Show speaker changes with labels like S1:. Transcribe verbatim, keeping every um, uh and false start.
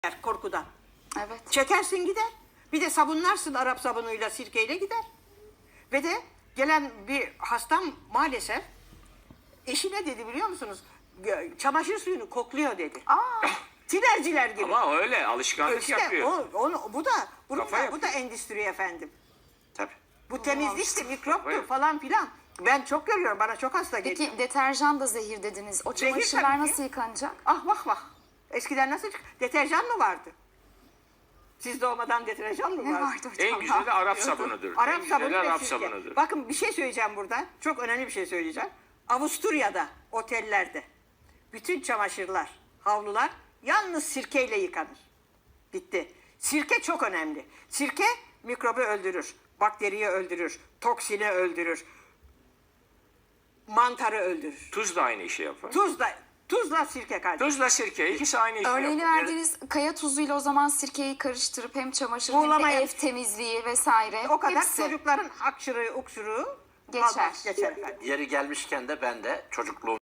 S1: korkudan.
S2: Evet.
S1: Çekersin gider. Bir de sabunlarsın Arap sabunuyla, sirkeyle gider. Ve de gelen bir hastam maalesef eşi ne dedi biliyor musunuz? Gö- Çamaşır suyunu kokluyor dedi.
S2: Aa,
S1: Tinerciler gibi.
S3: Ama öyle alışkanlık
S1: İşte
S3: yapıyor.
S1: o, onu, bu da, bu
S3: Kafa
S1: da, bu
S3: yapıyor.
S1: da endüstri efendim.
S3: Tabii.
S1: Bu temizlikti, mikroptur
S3: Kafa
S1: falan filan. Ben çok görüyorum, bana çok hasta geliyor.
S2: peki deterjan da zehir dediniz. O
S1: Zehir
S2: çamaşırlar
S1: tabii ki.
S2: nasıl yıkanacak?
S1: Ah vah vah. Eskiden nasıl çık- deterjan mı vardı? Siz doğmadan deterjan mı
S2: Ne
S1: vardı?
S2: vardı hocam?
S3: En güzeli de Arap sabunudur.
S1: Arap
S3: en
S1: sabunu
S3: güzeli
S1: ve
S3: Arap
S1: sirke.
S3: sabunudur.
S1: Bakın bir şey söyleyeceğim burada. Çok önemli bir şey söyleyeceğim. Avusturya'da, otellerde bütün çamaşırlar, havlular yalnız sirkeyle yıkanır. Bitti. Sirke çok önemli. Sirke mikrobu öldürür, bakteriyi öldürür, toksini öldürür, mantarı öldürür.
S3: Tuz da aynı işi yapar.
S1: Tuzla, tuzla sirke kardeşim.
S3: Tuzla sirke ikisi aynı işi
S2: Örneğini
S3: yapar.
S2: verdiğiniz kaya tuzuyla o zaman sirkeyi karıştırıp hem çamaşır hem
S1: Buğulama
S2: de ev
S1: yap-
S2: temizliği vesaire.
S1: O kadar
S2: hepsi.
S1: çocukların hakşırığı, ukşuruğu
S2: Geçer.
S1: kalmaz, geçer efendim.
S4: Yeri gelmişken de ben de çocukluğum